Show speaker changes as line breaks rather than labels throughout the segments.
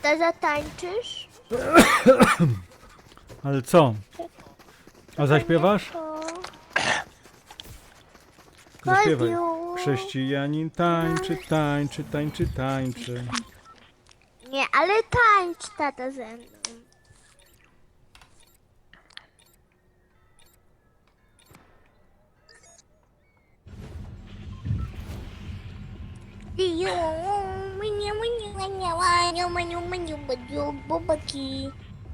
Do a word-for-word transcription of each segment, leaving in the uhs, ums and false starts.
Tata, zatańczysz?
Ale co? A zaśpiewasz? Zaśpiewaj.
Kodiu.
Chrześcijanin tańczy, tańczy, tańczy, tańczy.
Nie, ale tańcz, tata, ze mną. Bobaki.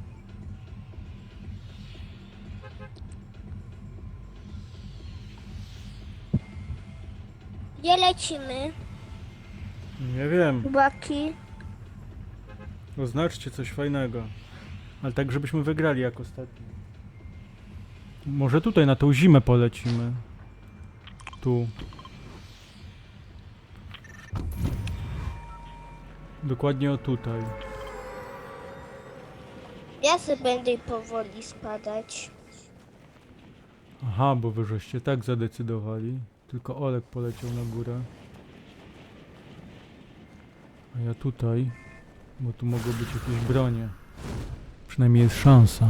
Gdzie lecimy?
Nie wiem.
Bobaki.
Oznaczcie coś fajnego. Ale tak, żebyśmy wygrali jak ostatnio. Może tutaj na tą zimę polecimy. Tu. Dokładnie o tutaj.
Ja sobie będę powoli spadać.
Aha, bo wy żeście tak zadecydowali. Tylko Olek poleciał na górę. A ja tutaj. Bo tu mogą być jakieś bronie. Przynajmniej jest szansa.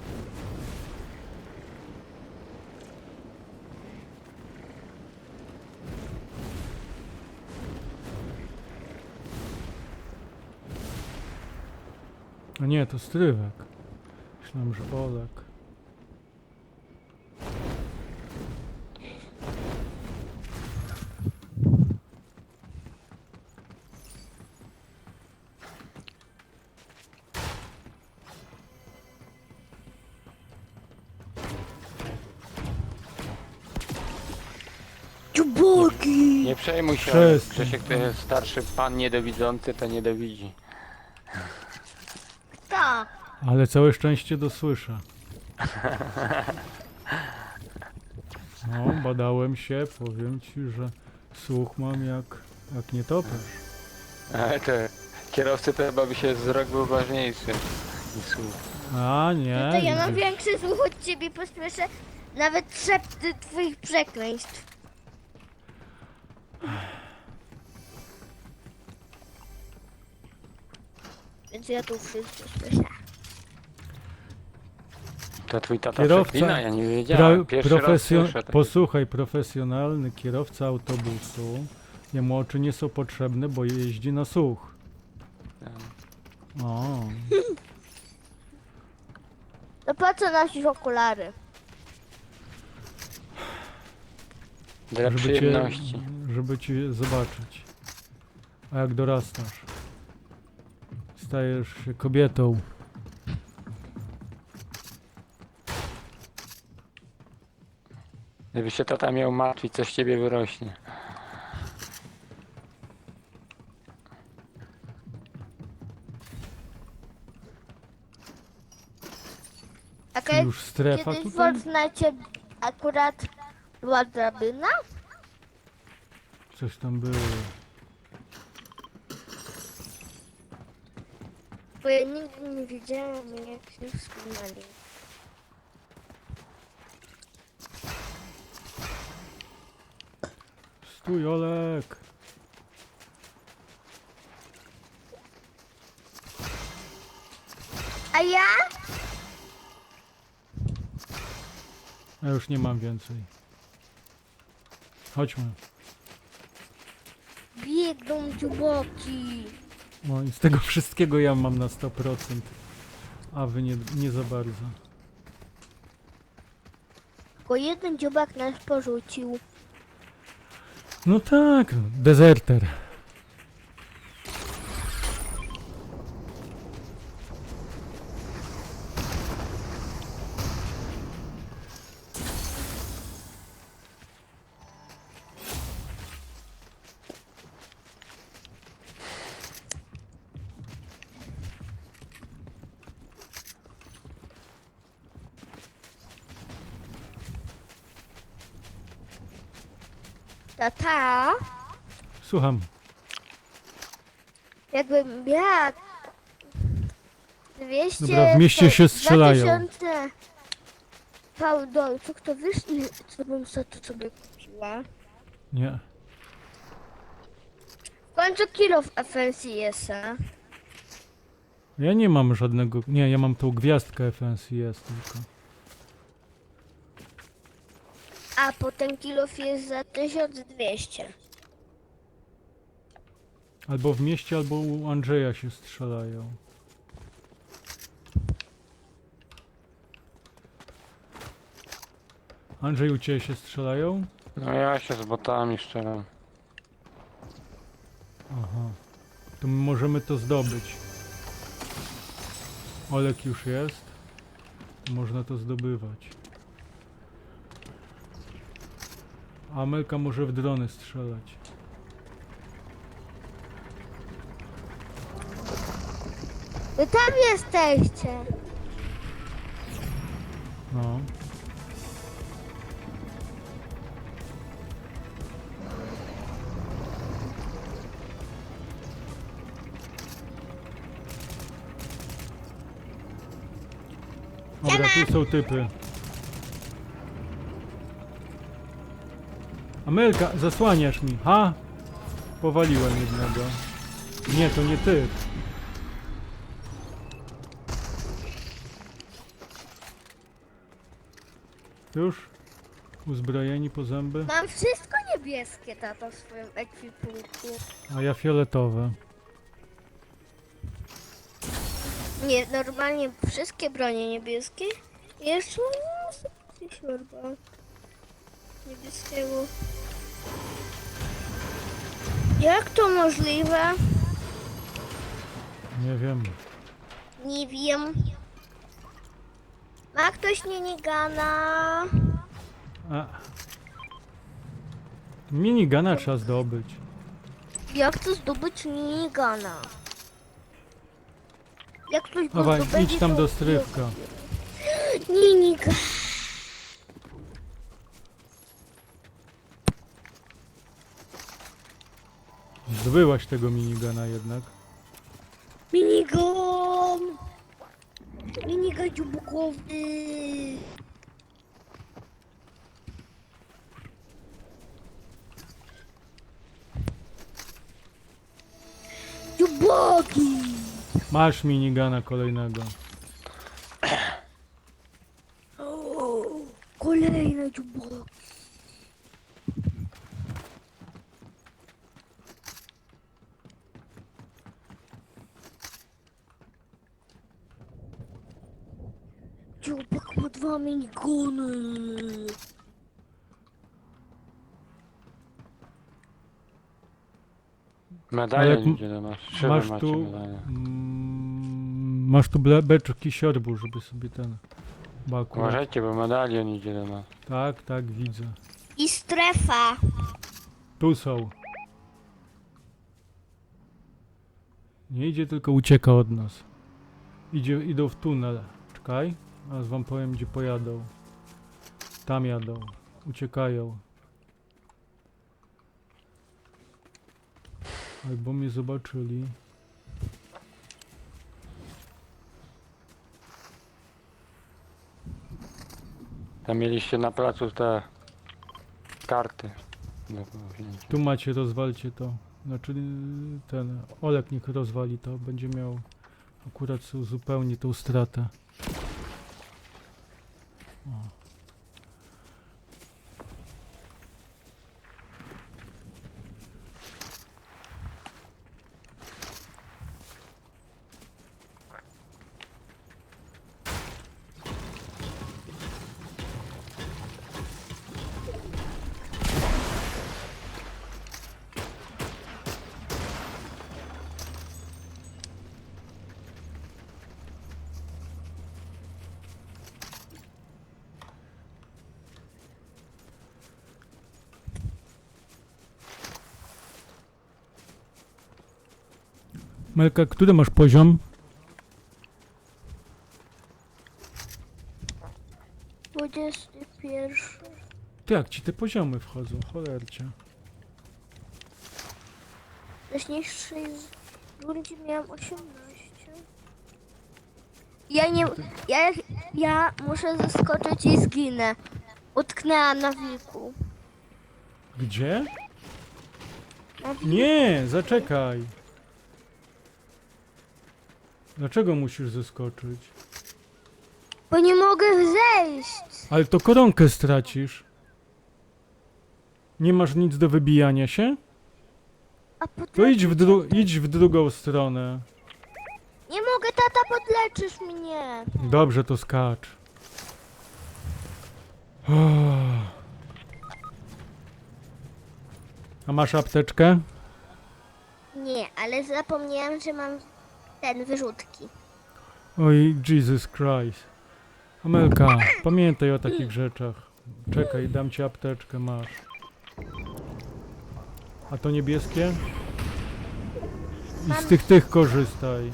A nie, to strywek. Myślałem, że Olek.
Dziuboki!
Nie przejmuj się,
Przestań.
Grzesiek to jest starszy pan niedowidzący, to nie dowidzi.
Kto?
Ale całe szczęście dosłyszę. No, badałem się, powiem ci, że słuch mam jak, jak nietoperz.
Ale to kierowcy to chyba by się wzrok był ważniejszy niż słuch.
A nie.
To ja mam
widzisz.
większy słuch od ciebie, posłyszę nawet szepty twoich przekleństw. Więc ja tu wszystko słyszę.
To twój tata
Kierowca,
przeklina, ja nie wiedziałem.
Pra,
Pierwszy raz
profesjo-
słyszę takie.
posłuchaj, profesjonalny kierowca autobusu. Jemu oczy nie są potrzebne, bo jeździ na słuch. O,
To po co nosisz okulary?
Dla
żeby cię,
przyjemności.
żeby cię zobaczyć. A jak dorastasz, stajesz się kobietą.
Gdyby się tata miał martwić, coś z ciebie wyrośnie.
Taka
Już strefa
kiedyś w
tutaj?
Fortnite akurat była drabina?
Coś tam było.
Bo ja nigdy nie wiedziałam, jak się wspinali.
Stój, Olek!
A ja?
Ja już nie mam więcej. Chodźmy.
Biegną dziuboki.
No i z tego wszystkiego ja mam na sto procent. A wy nie, nie za bardzo.
Tylko jeden dziubak nas porzucił.
No tak, dezerter.
Tata,
Słucham.
jakbym miała dwieście...
Dobra, w mieście się strzelają.
dwa tysiące fałdolców, to wiesz, ile co bym za to sobie kupiła?
Nie.
W końcu kilo w F N C S a.
Ja nie mam żadnego... Nie, ja mam tą gwiazdkę F N C S tylko.
A potem kilof jest za tysiąc dwieście.
Albo w mieście, albo u Andrzeja się strzelają. Andrzej, u ciebie się strzelają?
No ja się z botami szczeram.
Aha. To my możemy to zdobyć. Olek już jest. To można to zdobywać. A Amelka może w drony strzelać.
Wy tam jesteście.
No. Dobra, tu są typy. Amelka, zasłaniasz mi. Ha! Powaliłem jednego. Nie, to nie ty. Już? Uzbrojeni po zęby?
Mam wszystko niebieskie, tato, w swoim ekwipunku.
A ja fioletowe.
Nie, normalnie wszystkie bronie niebieskie. Jeszcze coś chyba niebieskiego. Jak to możliwe?
Nie wiem.
Nie wiem. Ma ktoś minigana?
A. Minigana trzeba zdobyć.
Jak to zdobyć minigana? Jak ktoś go
Dawaj,
zdobędzie,
idź tam
to-
do strywka.
Minigun.
Zdobyłaś tego minigana jednak.
Minigun. Minigun dziubukowy. Dziuboki.
Masz minigana kolejnego.
O, kolejne dziuboki. Dziubek ma dwa miniguny.
Medalion
Ale m-
idzie do nas. Trzy
Masz
macie
tu...
medalion.
Mm, masz tu ble- beczki siorbu, żeby sobie ten... Bo akurat...
Uważajcie, bo medalion idzie do nas.
Tak, tak, widzę.
I strefa.
Tu są. Nie idzie, tylko ucieka od nas. Idzie, idą w tunel. Czekaj, aż wam powiem, gdzie pojadą. Tam jadą. Uciekają. Albo mnie zobaczyli.
Tam mieliście na placu te karty. do wzięcia.
Tu macie, rozwalcie to. Znaczy ten Olek niech rozwali to. Będzie miał akurat zupełnie tą stratę. O. Melka, który masz poziom?
Dwudziesty pierwszy.
Ty, jak ci te poziomy wchodzą, cholercie.
Wcześniejszej z- rundzie miałam osiemnaście. Ja nie... Ja, ja muszę zaskoczyć i zginę. Utknęłam na wilku.
Gdzie?
Na wilku.
Nie, zaczekaj. Dlaczego musisz zeskoczyć?
Bo nie mogę zejść.
Ale to koronkę stracisz. Nie masz nic do wybijania się?
A
To
potem...
idź w, dru- idź w drugą stronę.
Nie mogę, tata, podleczysz mnie.
Dobrze, to skacz. Uff. A masz apteczkę?
Nie, ale zapomniałem, że mam ten, wyrzutki.
Oj, Jesus Christ. Amelka, pamiętaj o takich rzeczach. Czekaj, dam ci apteczkę, masz. A to niebieskie? I z tych tych korzystaj.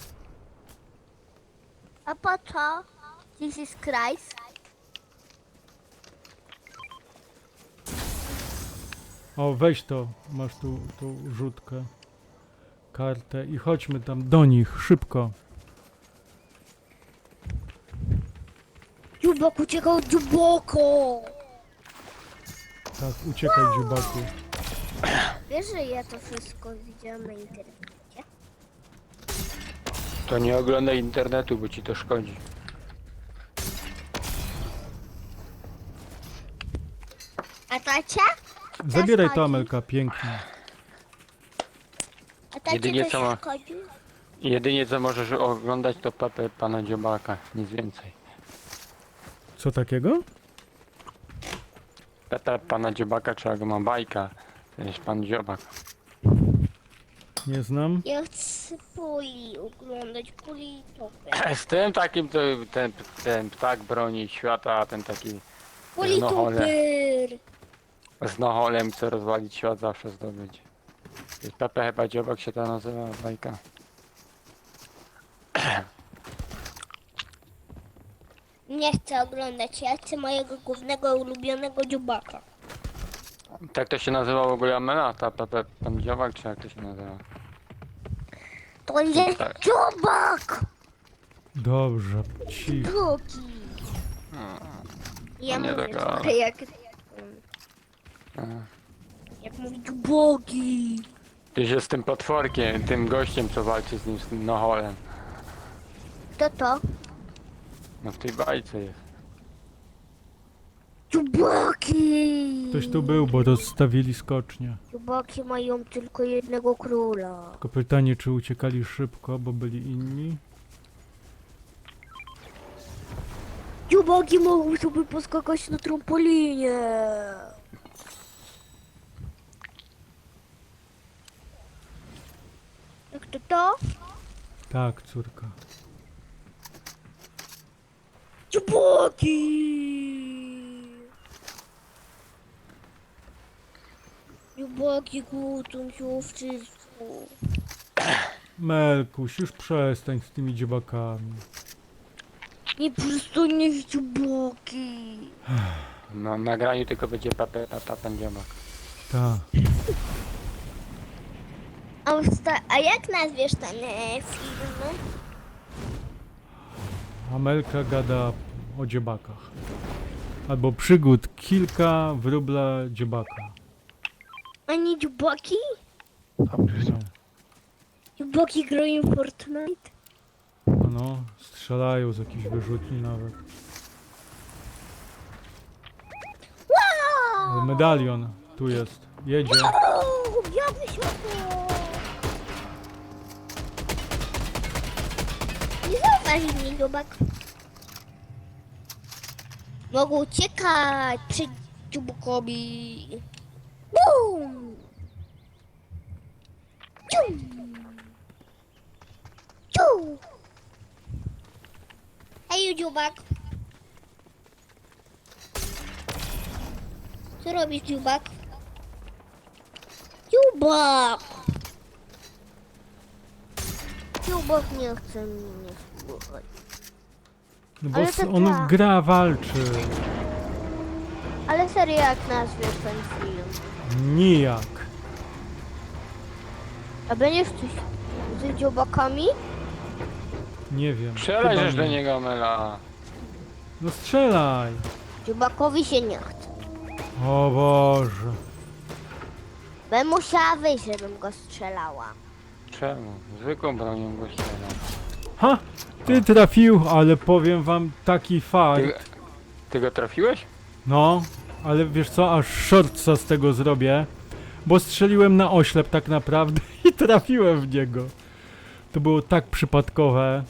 A po co? Jesus Christ.
O, weź to. Masz tu tą rzutkę. Kartę i chodźmy tam do nich, szybko.
Dziubok uciekał, dziuboko!
Tak, uciekaj, dziubaku.
Wiesz, że ja to wszystko widziałam na internecie?
To nie oglądaj internetu, bo ci to szkodzi.
A tacia?
Zabieraj
chodzi.
to, Amelka, pięknie.
A tacie
Jedynie
coś
co ma-
szkodzi?
Jedynie co możesz oglądać to Pepę pana Dziobaka, nic więcej.
Co takiego?
Pepę pana Dziobaka, trzeba go ma bajka. To jest pan Dziobak.
Nie znam.
Ja chcę puli oglądać, puli topę.
Z tym takim to ten, ten ptak broni świata, a ten taki
Puli
No, ale-
topy!
z noholem chce rozwalić świat, zawsze zdobyć. Pepe chyba Dziobak się ta nazywa bajka.
Nie chcę oglądać, ja chcę mojego głównego ulubionego dziubaka.
Tak to się nazywa w ogóle Amela, ta Pepe pan Dziobak, czy jak to się nazywa?
To jest
Tak.
dziubak!
Dobrze, cicho.
Drugi. Ja
Nie
mówię
tak,
trochę
ale-
jak...
A.
Jak mówić dziuboki.
Ty się z tym potworkiem, tym gościem co walczy z nim, z tym noholem.
To to?
No w tej bajce jest.
Dziubaki!
Ktoś tu był, bo rozstawili skocznie.
Dziubaki mają tylko jednego króla.
Tylko pytanie, czy uciekali szybko, bo byli inni?
Dziubaki mogą sobie poskakać na trampolinie. Jak to to?
Tak, córka.
Dziubaki! Dziubaki kłócą się o wszystko.
Melkuś, już przestań z tymi dziobakami.
Nie przystaniesz dziubaki.
Na nagraniu tylko będzie Pepe, Pepe pan Dziobak.
Tak.
A, usta- a jak nazwiesz ten e, film?
Amelka gada o dziobakach. Albo przygód kilka wróbla dziobaka.
A nie dziubaki?
No,
Dziubaki grają w Fortnite?
no, strzelają z jakichś wyrzutni nawet.
Wow!
Medalion tu jest. Jedzie.
Wow! Białe światło! Nie zauważył mnie dziubak. Mogą uciekać przed dziubakowi. Bum! Ciu! Ciu! Hej, dziubak. Co robisz, dziubak? Dziubak! Dziubak nie chce mnie słuchać.
No bo
Ale
s-
to
on
tak.
gra, walczy.
Ale serio, jak nazwiesz ten film?
Nijak.
A będziesz coś z dziubakami?
Nie wiem.
Strzelaj
chyba
żeś do
nie.
niego Amela.
No strzelaj.
Dziubakowi się nie chce.
O Boże.
Bym musiała wyjść, żebym go strzelała.
Czemu? Zwykłą bronią go strzela.
Ha! Ty trafił, ale powiem wam taki fart.
Ty, ty go trafiłeś?
No, ale wiesz co, aż shortsa z tego zrobię, bo strzeliłem na oślep tak naprawdę i trafiłem w niego. To było tak przypadkowe.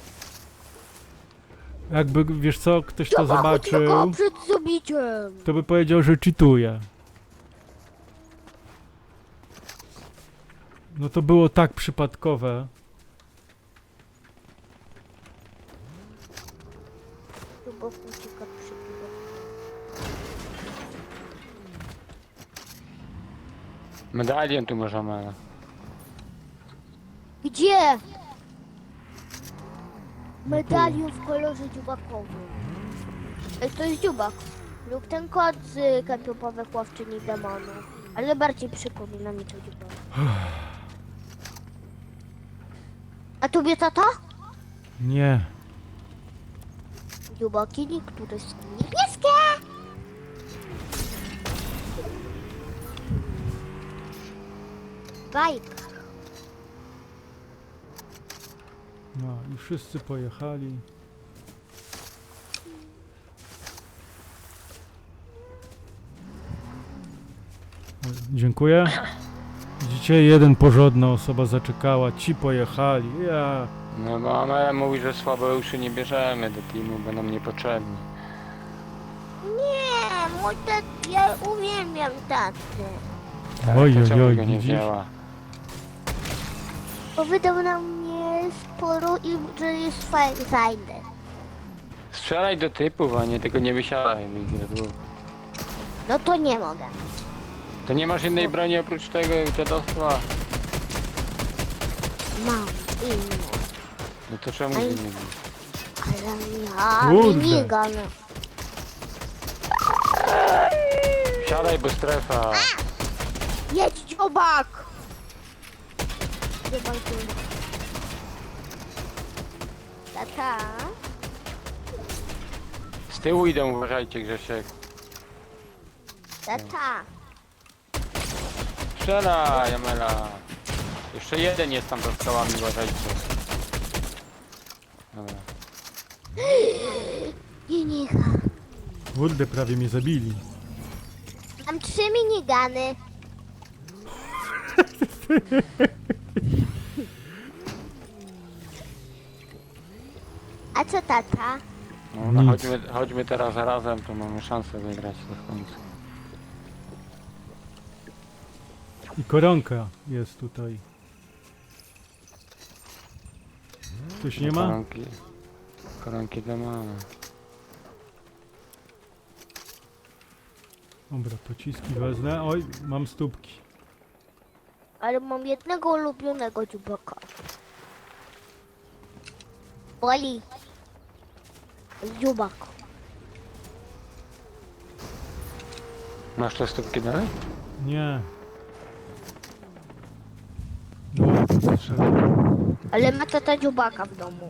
Jakby, wiesz co, ktoś to
Tylko
zobaczył,
przed zabiciem.
to by powiedział, że cheatuje. No to było tak przypadkowe.
Chyba ucieka przed
Medalion tu może ma.
Gdzie? Medalion w kolorze dziubakowym. Ej, to jest dziubak. Lub ten kot z kapiopowych łowczyni demonów. Ale bardziej przypomina mi to dziubak. A tobie tata?
Nie.
Dziubaki niektóre są niebieskie. Bajka.
No i wszyscy pojechali. O, dziękuję. Widzicie, jeden porządna osoba zaczekała, ci pojechali. Ja.
No bo Amela mówi, że słabe uszy nie bierzemy do teamu, będą niepotrzebni.
Nie, mój tat, ja uwielbiam tatę.
Tak,
Oj,
to
oj,
czemu
oj,
go nie
widzisz?
wzięła?
Bo wydał na mnie sporo i że jest fajny. fajny.
Strzelaj do typów, a nie tego nie wysiadaj. Miguel.
No to nie mogę.
To nie masz innej broni oprócz tego dziadostwa?
Mam inną.
No to czemu
Aj.
ty nie wiesz?
Ale ja
Kurde.
minigun.
Siadaj, bo strefa.
Jedź dziobak! Dziobak, dziobak. Tata?
Z tyłu idą, uważajcie, Grzesiek.
Tata.
Strzelaj, Amela. Jeszcze jeden jest tam za skałami, uważajcie. Dobra.
Nie, nie.
Kurde, prawie mnie zabili.
Mam trzy minigany. A co tata?
No, no
Nic.
chodźmy, chodźmy teraz razem, to mamy szansę wygrać to w końcu.
I koronka jest tutaj. Ktoś nie ma?
Koronki, koronki dla mamy.
Dobra, pociski wezmę. Oj, mam stópki.
Ale mam jednego ulubionego dziubaka. Boli. Dziubak.
Masz te stópki dalej?
Nie. No, to trzeba.
Ale ma tata dziubaka w domu.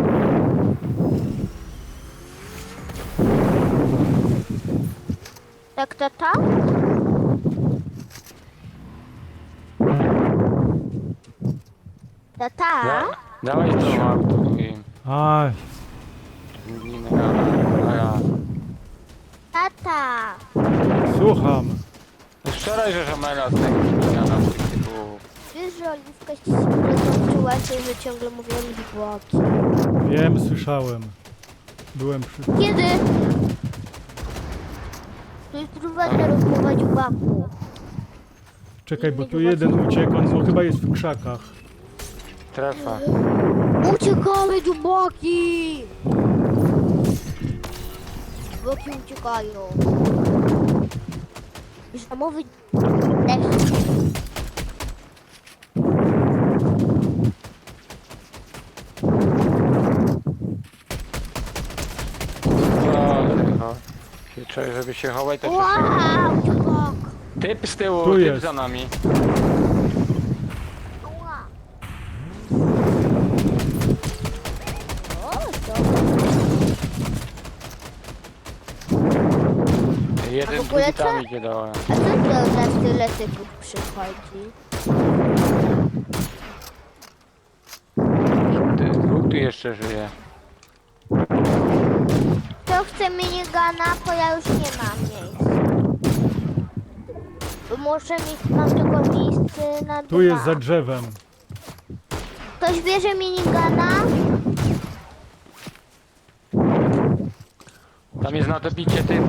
Tak, tata? Tata?
Da, dawaj to auto i
Aj,
zmienimy na, na ja.
Tata!
słucham.
No strzelaj, że Amela z tego zmieniana z tych typów.
Wiesz, że Oliwka się zobaczyła się, że ciągle mówią dziubaki.
Wiem, słyszałem. Byłem przy...
Kiedy? To jest prywatna rozmowa dziubaku.
Czekaj, bo tu jeden uciekł, on no, chyba jest w krzakach.
Strefa.
Uciekamy dziubaki! Dziubaki uciekają. Żamowy deszcz.
No, się czuję, żeby się chować, to się
Wow, dziubak!
typ z tyłu,
Tu
typ
jest.
za nami.
Ała. O, to...
Jeden
A w ogóle
drugi tam
co?
idzie dołem.
A co to za tyle typów przychodzi?
Ty, dwóch dwóch tu jeszcze żyje.
Kto chce minigana, bo ja już nie mam miejsca. Bo muszę mieć, mam tylko miejsce na dwa.
Tu jest za drzewem.
Ktoś bierze minigana?
Tam jest na dobicie tym.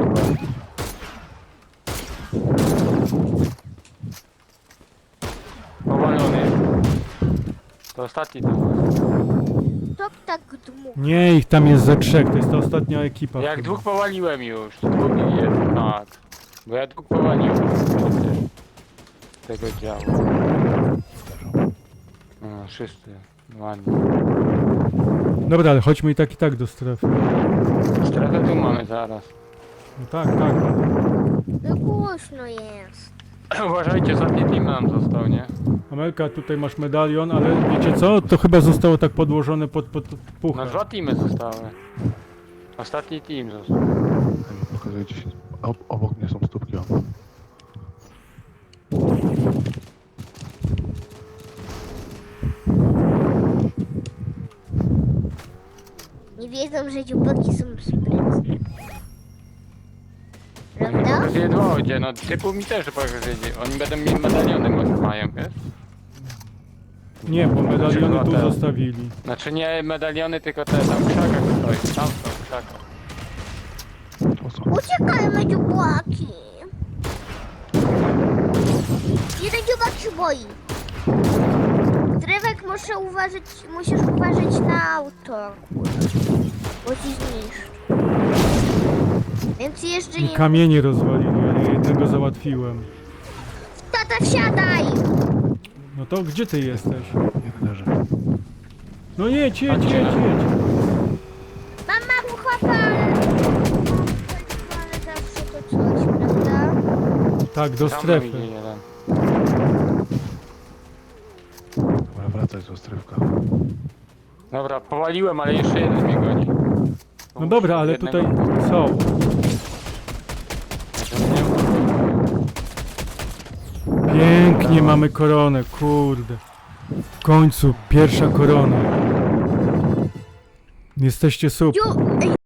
Powalony. To ostatni tam.
Kto tak dmucha?
Nie, ich tam jest za trzech, to jest ta ostatnia ekipa.
Jak
chyba.
dwóch powaliłem już, to dwóch jest, tak. Bo ja dwóch powaliłem przecież tego działu. No, wszyscy, ładnie.
Dobra, ale chodźmy i tak i tak do strefy.
Strefę tu mamy zaraz.
No tak, tak.
No głośno jest.
Uważajcie, ostatni team nam został, nie?
Amelka, tutaj masz medalion, ale wiecie co? To chyba zostało tak podłożone pod, pod
No
puchę.
dwa teamy zostały. Ostatni team został.
Pokazuję gdzieś. Ob obok mnie są stópki. O.
Nie wiedzą, że dziubaki są sprytne. Prawda?
Pokazuję dwa odzie, no typu mi też pokazuje. Oni będą mieli medaliony, może mają, wiesz?
Nie, bo medaliony tu
Te.
zostawili.
Znaczy nie medaliony, tylko te tam w krzakach stoi. Tam są w krzakach.
To są.
Uciekajmy dziubaki. Jeden dziubak się boi. Drewek muszę uważać, musisz uważać na auto. Bo ci zniszczy. Więc jeszcze
I
nie...
kamienie rozwalili, ja jednego załatwiłem.
Tata, wsiadaj!
No to gdzie ty jesteś?
Nie leży.
No jedź, jedź, jedź,
Chodźcie.
jedź.
Mama, chłopaka, ale... Ale zawsze to coś, prawda?
Tak, do
Za mną
strefy.
idzie jeden.
Dobra, wracać do strefka.
Dobra, powaliłem, ale jeszcze jeden mnie goni.
No dobra, ale
Jednego-
tutaj są. Pięknie mamy koronę, kurde. W końcu pierwsza korona. Jesteście super.
Dziu...